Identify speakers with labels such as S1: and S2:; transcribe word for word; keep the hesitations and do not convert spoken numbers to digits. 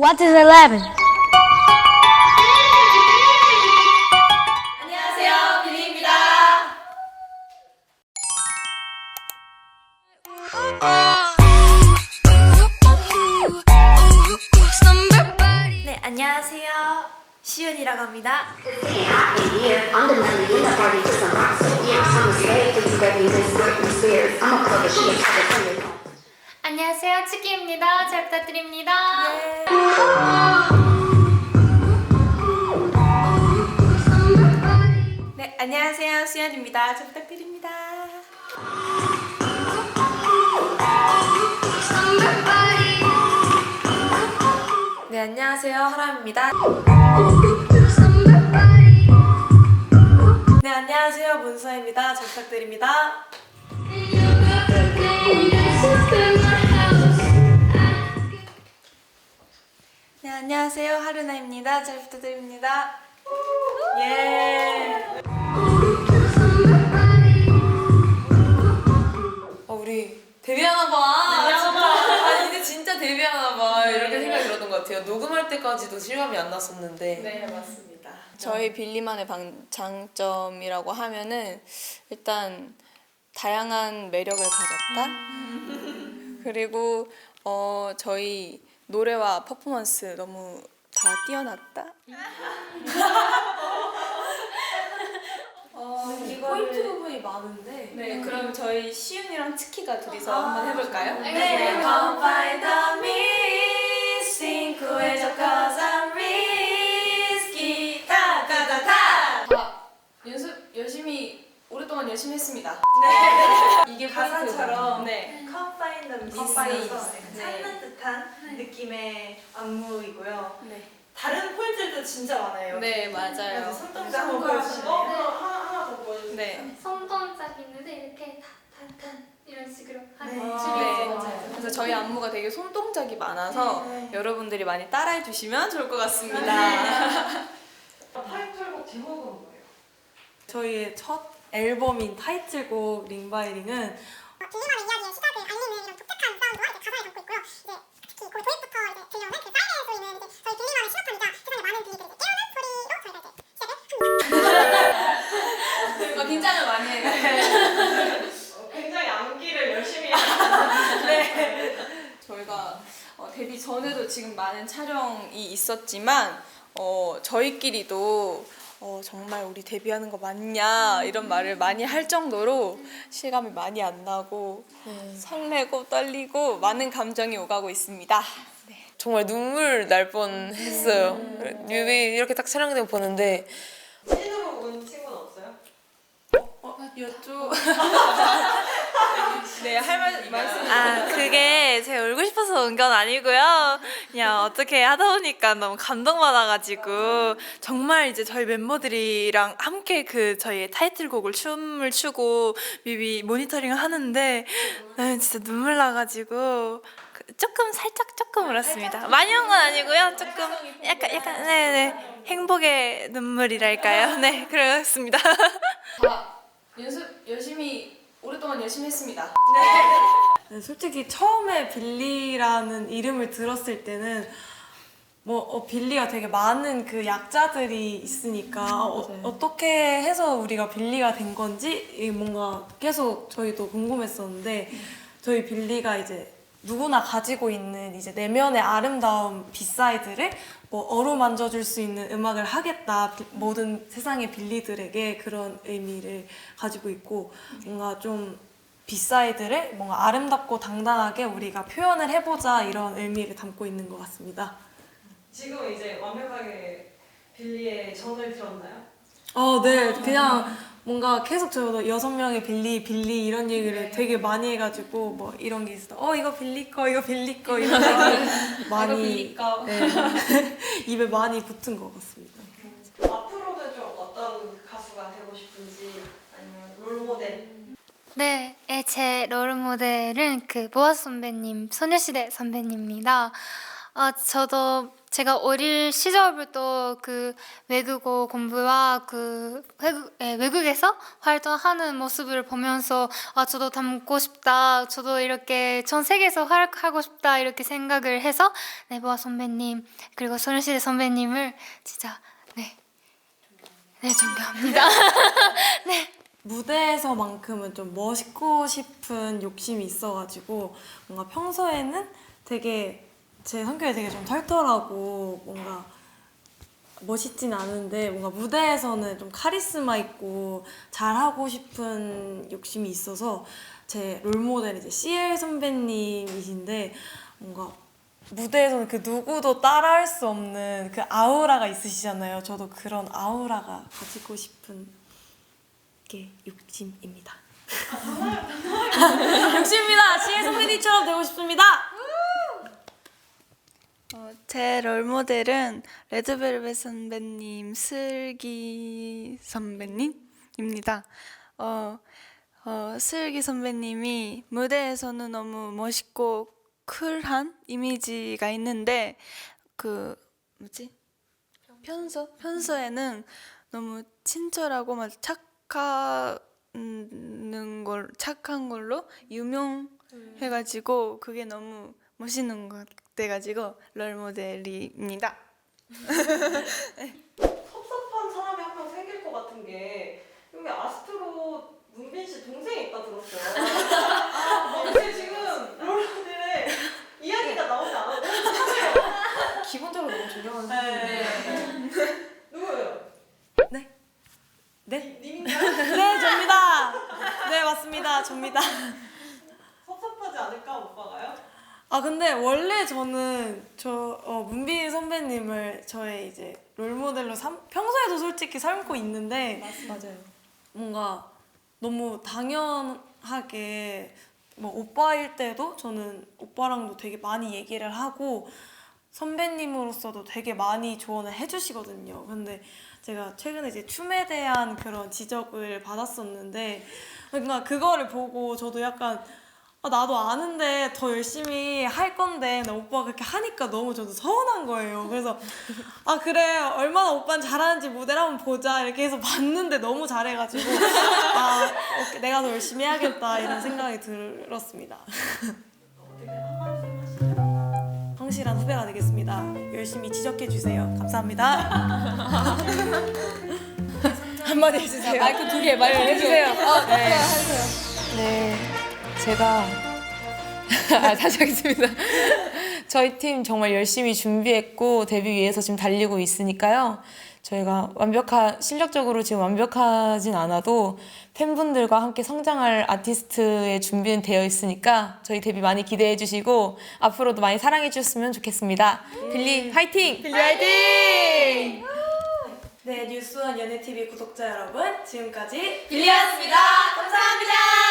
S1: What is eleven?
S2: 안녕하세요, 비니입니다. 네, 안녕하세요. 시윤이라고 합니다.
S3: 안녕하세요, 치키입니다. 잘 부탁드립니다.
S2: 네. 네, 안녕하세요, 수연입니다. 잘 부탁드립니다. 네, 안녕하세요, 하람입니다. 네, 안녕하세요, 문서입니다. 잘 부탁드립니다. 네, 안녕하세요, 하루나입니다. 잘 부탁드립니다. 예. 어, 우리 데뷔하나봐. 진짜. 아니, 이제 진짜 데뷔하나봐. 이렇게 생각이 들었던 것 같아요. 녹음할 때까지도 실감이 안 났었는데.
S4: 네, 맞습니다.
S5: 저희 빌리만의 방, 장점이라고 하면은 일단 다양한 매력을 가졌다. 그리고 어, 저희 노래와 퍼포먼스 너무 다 뛰어났다.
S2: 어, 포인트 부분이 많은데.
S5: 네, 그럼 저희 시윤이랑 치키가 둘이서 한번 해볼까요?
S2: 네, Come find the missing 구해줘 cause I'm risky 다다다다.
S5: 다 연습 열심히 오랫동안 열심히 했습니다.
S2: 네.
S5: 이게
S2: 가사처럼
S5: 포인트고. 네.
S2: Come find the
S5: Come find
S2: missing에서
S5: the
S2: 찾는 듯한 느낌의 안무이고요.
S5: 네.
S2: 다른 포인트들도 진짜 많아요.
S5: 네, 맞아요.
S2: 손동작 한번 보여주실래요? 하나, 하나 더 보여주세요.
S5: 네.
S3: 손동작 있는데 이렇게 탄탄 이런 식으로 하는
S2: 네.
S3: 춤이
S5: 네,
S3: 있어요.
S2: 맞아요.
S5: 그래서 저희 안무가 되게 손동작이 많아서
S2: 네.
S5: 여러분들이 많이 따라해 주시면 좋을 것 같습니다.
S4: 타이틀곡 제목은 뭐예요?
S6: 저희의 첫 앨범인 타이틀곡 링바이링은
S7: 빌리만의 이야기의 시작을 알리는 이런 독특한 사운드와 이제 가사를 담고 있고요. 이제 특히 그 도입부터 이제 들려오는 그 사이렌 소리는 이제 저희 빌리만의 신호탄이자 세상의 많은 빌리들을 이제 깨우는 소리로 저희가 이제 시작을 합니다.
S5: 어, 긴장을 많이 해요.
S4: 어, 굉장히 암기를 열심히 하시는
S5: 저희가 어, 데뷔 전에도 지금 많은 촬영이 있었지만 어, 저희끼리도 어, 정말 우리 데뷔하는 거 맞냐 이런 말을 많이 할 정도로 실감이 많이 안 나고 설레고 떨리고 많은 감정이 오가고 있습니다. 네.
S8: 정말 눈물 날 뻔했어요. 뮤비 이렇게 딱 촬영된 거 보는데
S4: 찐으로 온 친구는 없어요?
S5: 여쭈 네, 할 말, 말씀
S2: 아, 그게 제가 울고 싶어서 온 건 아니고요. 그냥 어떻게 하다 보니까 너무 감동받아가지고 정말 이제 저희 멤버들이랑 함께 그 저희의 타이틀곡을 춤을 추고 뮤비 모니터링을 하는데 나는 진짜 눈물 나가지고 그 조금 살짝 조금 울었습니다. 많이 온 건 아니고요. 조금 약간 약간 네네 행복의 눈물이랄까요. 네 그렇습니다.
S5: 다 연습 열심히 오랫동안 열심히 했습니다.
S6: 네, 솔직히 처음에 빌리라는 이름을 들었을 때는 뭐 어, 빌리가 되게 많은 그 약자들이 있으니까 어, 어떻게 해서 우리가 빌리가 된 건지 이 뭔가 계속 저희도 궁금했었는데 저희 빌리가 이제 누구나 가지고 있는 이제 내면의 아름다운 비사이드를 뭐 어루만져 줄 수 있는 음악을 하겠다. 비- 모든 세상의 빌리들에게 그런 의미를 가지고 있고 뭔가 좀 비사이드를 뭔가 아름답고 당당하게 우리가 표현을 해보자 이런 의미를 담고 있는 것 같습니다.
S4: 지금 이제 완벽하게 빌리의 정을 들었나요?
S6: 어, 네, 그냥 뭔가 계속 저도 여섯 명의 빌리, 빌리 이런 얘기를 되게 많이 해가지고 뭐 이런 게 있어. 어, 이거 빌리 거, 이거 빌리 거 이런 얘기 많이
S5: 빌리 거.
S6: 네, 입에 많이 붙은 것 같습니다.
S4: 앞으로는 좀 어떤 가수가 되고 싶은지 아니면 롤모델
S3: 네, 예, 제 롤모델은 그 보아 선배님, 소녀시대 선배님입니다. 어, 저도 제가 어릴 시절부터 그 외국어 공부와 그 외국, 예, 외국에서 활동하는 모습을 보면서 아 저도 닮고 싶다, 저도 이렇게 전 세계에서 활약하고 싶다 이렇게 생각을 해서 네, 보아 선배님 그리고 소녀시대 선배님을 진짜 네, 네 존경합니다. 네.
S6: 무대에서만큼은 좀 멋있고 싶은 욕심이 있어가지고 뭔가 평소에는 되게 제 성격이 되게 좀 털털하고 뭔가 멋있진 않은데 뭔가 무대에서는 좀 카리스마 있고 잘하고 싶은 욕심이 있어서 제 롤모델이 이제 씨엘 선배님이신데 뭔가 무대에서는 그 누구도 따라할 수 없는 그 아우라가 있으시잖아요. 저도 그런 아우라가 가지고 싶은 게 욕심입니다. 욕심입니다. 씨엘 선배님처럼 되고 싶습니다.
S1: 어, 제 롤모델은 레드벨벳 선배님, 슬기 선배님입니다. 어, 어, 슬기 선배님이 무대에서는 너무 멋있고 쿨한 이미지가 있는데 그 뭐지? 편서? 편서에는 너무 친절하고 막 착하는 걸 착한 걸로 유명해가지고 그게 너무 멋있는 것 같아가지고 롤모델입니다.
S4: 섭섭한 사람이 한 명 생길 것 같은 게 여기 아스트로 문빈 씨 동생이 있다 들었어요. 아, 근데 지금 롤모델의 이야기가 나오지 않아요.
S6: 기본적으로 너무 존경하는
S4: 네.
S6: 사람인데.
S4: 누구예요?
S6: 네? 네?
S4: 님인가요?
S6: 네, 접니다. 네, 맞습니다. 접니다.
S4: 섭섭하지 않을까 오빠가요?
S6: 아 근데 원래 저는 저 어, 문빈 선배님을 저의 이제 롤모델로 삼, 평소에도 솔직히 삼고 있는데
S5: 맞아요.
S6: 뭔가 너무 당연하게 뭐 오빠일 때도 저는 오빠랑도 되게 많이 얘기를 하고 선배님으로서도 되게 많이 조언을 해주시거든요. 근데 제가 최근에 이제 춤에 대한 그런 지적을 받았었는데 그러니까 그거를 보고 저도 약간 아, 나도 아는데 더 열심히 할 건데 나 오빠가 그렇게 하니까 너무 저도 서운한 거예요. 그래서 아 그래 얼마나 오빠는 잘하는지 무대를 한번 보자 이렇게 해서 봤는데 너무 잘해가지고 아 오케이, 내가 더 열심히 해야겠다 이런 생각이 들었습니다. 성실한 후배가 되겠습니다. 열심히 지적해주세요. 감사합니다. 한마디 해주세요.
S5: 마이크 두 개, 마이크 해주세요. 어, 네.
S8: 네, 제가 아, 다시 하겠습니다. 저희 팀 정말 열심히 준비했고 데뷔 위해서 지금 달리고 있으니까요. 저희가 완벽한 실력적으로 지금 완벽하진 않아도 팬분들과 함께 성장할 아티스트의 준비는 되어 있으니까 저희 데뷔 많이 기대해 주시고 앞으로도 많이 사랑해 주셨으면 좋겠습니다. 빌리 화이팅! 빌리 화이팅!
S6: 네, 뉴스원 연예티비 구독자 여러분 지금까지
S2: 빌리였습니다. 감사합니다.